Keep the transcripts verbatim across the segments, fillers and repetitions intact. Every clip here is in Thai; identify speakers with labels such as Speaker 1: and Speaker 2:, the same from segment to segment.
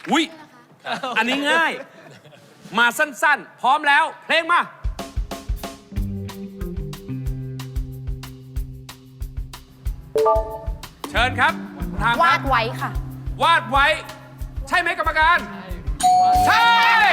Speaker 1: อุ้ยอันนี้ง่ายมาสั้นๆพร้อมแล้วเพลงมาเชิญครับทาง
Speaker 2: วาดไว้ค่ะ
Speaker 1: วาดไว้ใช่ไหมกรรมการใช่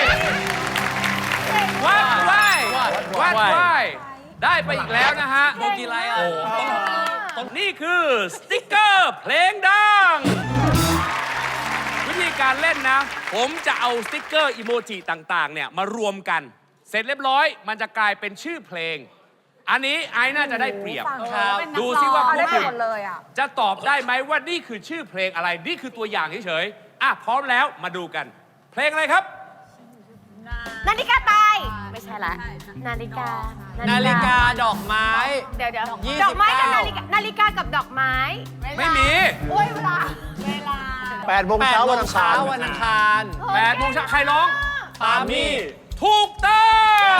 Speaker 1: วาดไว้วาดไว้ได้ไปอีกแล้วนะฮะ
Speaker 3: โบกีไรอ่ะ
Speaker 1: นี่คือสติ๊กเกอร์เพลงดังวิธีการเล่นนะผมจะเอาสติ๊กเกอร์อีโมจิต่างๆเนี่ยมารวมกันเสร็จเรียบร้อยมันจะกลายเป็นชื่อเพลงอันนี้ไอ้น่าจะได้เปรียบดูซิว่าผู้ฝึกจะตอบได้ไหมว่านี่คือชื่อเพลงอะไรนี่คือตัวอย่างเฉยๆอ่ะพร้อมแล้วมาดูกันเพลงอะไรครับ
Speaker 2: นาฬิกาตายไม่ใช่ละนาฬิกา
Speaker 3: นาฬิกาดอกไม้
Speaker 2: เดี๋ยวเดี๋ยว
Speaker 3: ยี่สิบเก้า
Speaker 2: ดอกไม้กับนาฬิกานาฬิกากับดอกไม้
Speaker 1: ไม่มี
Speaker 2: โอ้ยเวลาเวลา
Speaker 4: แปดโมงเช้าวันอังคาร
Speaker 3: วันอังคาร
Speaker 1: แปดโมงเช้าใครร้อง
Speaker 3: ปามี่
Speaker 1: ถูกต้อง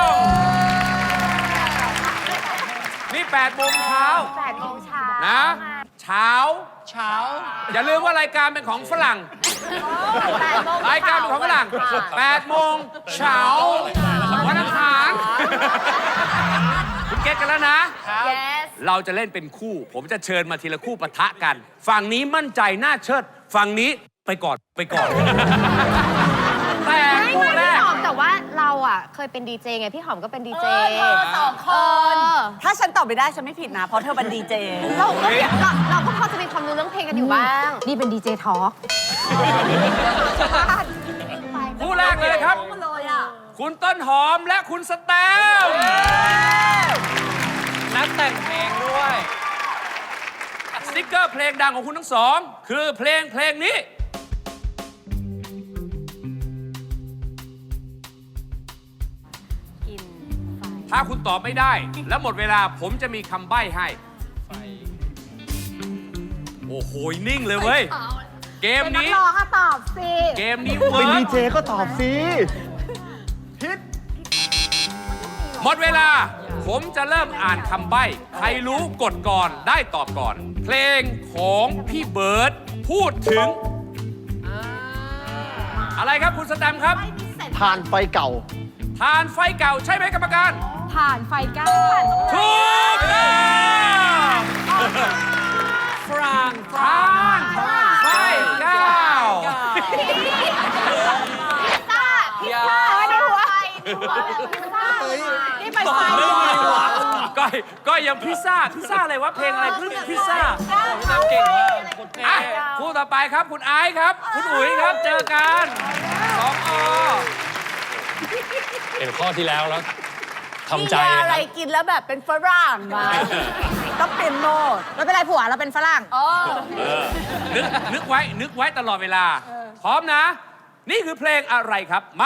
Speaker 1: นี่แปดโมงเช้า
Speaker 2: แปดโมงเช้า
Speaker 1: นะเช้า
Speaker 3: เช้า
Speaker 1: อย่าลืมว่ารายการเป็นของฝรั่ง
Speaker 2: แปดโมง
Speaker 1: รายการเป็นของฝรั่งแปดโมงเช้าวันอังคารคุณเก็ตกันแล้วนะ
Speaker 2: yes
Speaker 1: เราจะเล่นเป็นคู่ ผมจะเชิญมาทีละคู่ปะทะกัน ฝั่งนี้มั่นใจน่าเชิด ฝั่งนี้ไปก่อนไปก่อน แต่
Speaker 2: ไม่
Speaker 1: คู่
Speaker 2: ไม่
Speaker 1: แร
Speaker 2: พี่
Speaker 1: ก
Speaker 2: หอมแต่ว่าเราอ่ะเคยเป็นดีเจไงพี่หอมก็เป็นดีเจ
Speaker 5: เธอสองคน
Speaker 2: เออ
Speaker 5: ถ้าฉันตอบไม่ได้ฉันไม่ผิดนะ เพราะเธอเป็นดีเจ
Speaker 2: เราก็เราเราก็พอจะมีความรู้เรื่องเพลงกันอยู่บ้างนี่เป็นดีเจทอล์ก
Speaker 1: คู่แรกเลยครับ คุณต้นหอมและคุณสแตมป์
Speaker 3: นักแต่งเพลงด้วย
Speaker 1: สติ๊กเกอร์เพลงดังของคุณทั้งสอง คือเพลงเพลงนี้ถ้าคุณตอบไม่ได้ แล้วหมดเวลาผมจะมีคำใบ้ให้ โอ้โห นิ่งเลยเว้ย เกม
Speaker 2: เป็นนัก
Speaker 1: นี้
Speaker 2: ร้องอะตอบสิ
Speaker 1: เกมนี้
Speaker 4: เป็
Speaker 1: เวิ
Speaker 4: น
Speaker 1: ร์
Speaker 4: ดี
Speaker 1: ก
Speaker 4: เจก็ตอบสิ
Speaker 1: หมดเวลา ผมจะเริ่มอ่านคำใบ้ ใครรู้กดก่อนได้ตอบก่อน เพลงของพี่เบิร์ดพูดถึง อะไรครับคุณสแตมป์ครับ
Speaker 4: ทานไฟเก่า
Speaker 1: ทานไฟเก่าใช่ไหมกรรมการ
Speaker 2: ผ่านไฟก้า
Speaker 1: ถูกต้อง
Speaker 3: ฝรั่ง
Speaker 1: ทานไฟเก่า
Speaker 2: พิซซ่าในหัวในหัวพิซซ่านี่ไปไฟ
Speaker 1: ก้อยก้อยยังพิซซ่า พิซซ่าอะไรวะ เพลงอะไรคือพิซซ่า
Speaker 3: พี่ตั้มเก่งมากคนเท่
Speaker 1: อ่ะคู่ต่อไปครับ คุณไอซ์ครับ คุณอุ๋ยครับ เจอกันสองอ
Speaker 6: เห็นข้อที่แล้วแล้ว
Speaker 5: มี
Speaker 6: ทำใจ
Speaker 5: ยา
Speaker 6: นะ
Speaker 5: อะ
Speaker 6: ค
Speaker 5: ไร
Speaker 6: รับ
Speaker 5: กินแล้วแบบเป็นฝรั่งมาต้องเปลี่ยนโหมดไม่เป็นไรผัวเราเป็นฝรั่ง
Speaker 1: นึกนึกไว้ นึกไว้ตลอดเวลา พร้อมนะ นี่คือเพลงอะไรครับ มา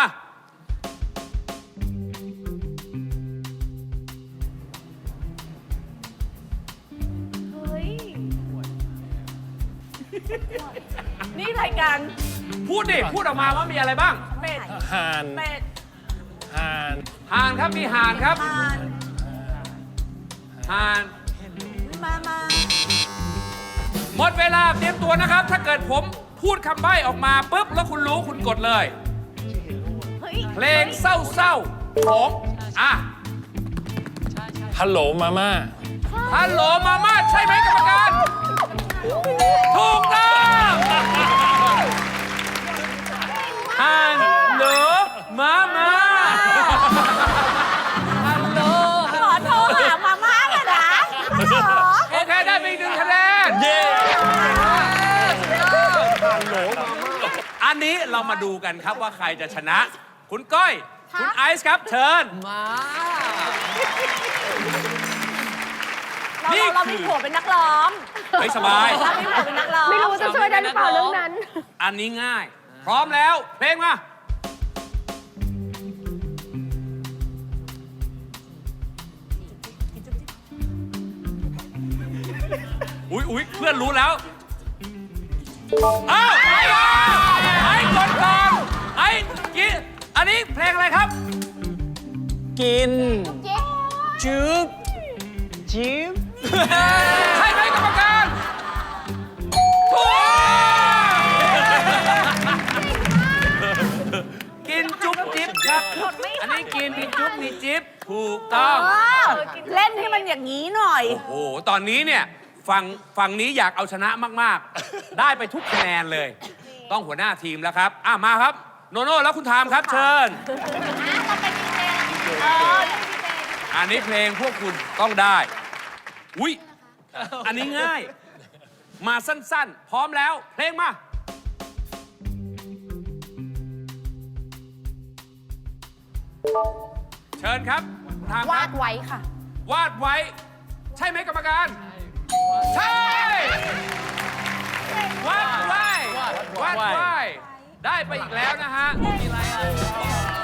Speaker 5: นี่รายการ
Speaker 1: พูดดิ พูดออกมาว่ามีอะไรบ้าง
Speaker 5: เป็ด
Speaker 6: ห่าน
Speaker 5: เป็ด
Speaker 6: ห่าน
Speaker 1: ห่านครับ มีห่านครับ
Speaker 5: ทาน
Speaker 1: ห่าน
Speaker 5: มามา
Speaker 1: หมดเวลาเตรียมตัวนะครับ ถ้าเกิดผมพูดคำใบ้ออกมาปุ๊บ แล้วคุณรู้คุณกดเลย เพลงเศร้าๆของอ่ะ
Speaker 6: ฮัลโหลมาม่า
Speaker 1: ฮัลโหลมาม่าใช่ไหมกรรมการ ถูกต้องฮัลโหลมาม่า
Speaker 5: ฮัลโหลขอโทรหามาม่าเลยนะฮัลโหล
Speaker 1: โอเค ได้ไปอีกหนึ่งคะแนน
Speaker 6: เย้
Speaker 1: อันนี้เรามาดูกันครับว่าใครจะชนะ คุณก้อย คุณไอซ์ครับเชิญ
Speaker 3: มา
Speaker 5: เรา
Speaker 1: นี่
Speaker 5: เรา
Speaker 1: คือ
Speaker 5: มีผัวเป็นนักร้อง
Speaker 1: ไม่สบาย
Speaker 5: เรามีผัวเป็นนักร้อง
Speaker 2: ไม่รู้จะช่วยได้หรือเปล่าเรื่องนั้น
Speaker 1: อันนี้ง่าย พร้อมแล้ว เพลงมา อุ๊ยอุ๊ยเพื่อนรู้แล้วอ้าวไอ้ไอ้กดก่อนไอ้กินอันนี้เพลงอะไรครับ
Speaker 3: กินจืบจิ๊บ
Speaker 1: ใช่ไหมกรรมการถูกพี่จิ๊บถูกต้อง
Speaker 5: เออเล่นให้มันอย่างนี้หน่อย
Speaker 1: โอ้โห ตอนนี้เนี่ยฝั่งฝั่งนี้อยากเอาชนะมาก ๆ ได้ไปทุกคะแนนเลย ต้องหัวหน้าทีมแล้วครับ อ่ะ มาครับ โนโน่แล้วคุณทามครับ เชิญ
Speaker 2: เราเป็นดีเจเออนี่ดีเจ
Speaker 1: อันนี้เพลงพวกคุณต้องได้ อุ๊ย อันนี้ง่าย มาสั้น ๆ พร้อมแล้ว เพลงมา เชิญครับทามคว
Speaker 2: า
Speaker 1: รับ
Speaker 2: ดไว้ค่ะ
Speaker 1: วาดไว้ ใช่ไหมกรรมการ ใช่ วาดไว้ วาดไว้ ได้ไปอีกแล้วนะฮะ มีอะไรอ่ะ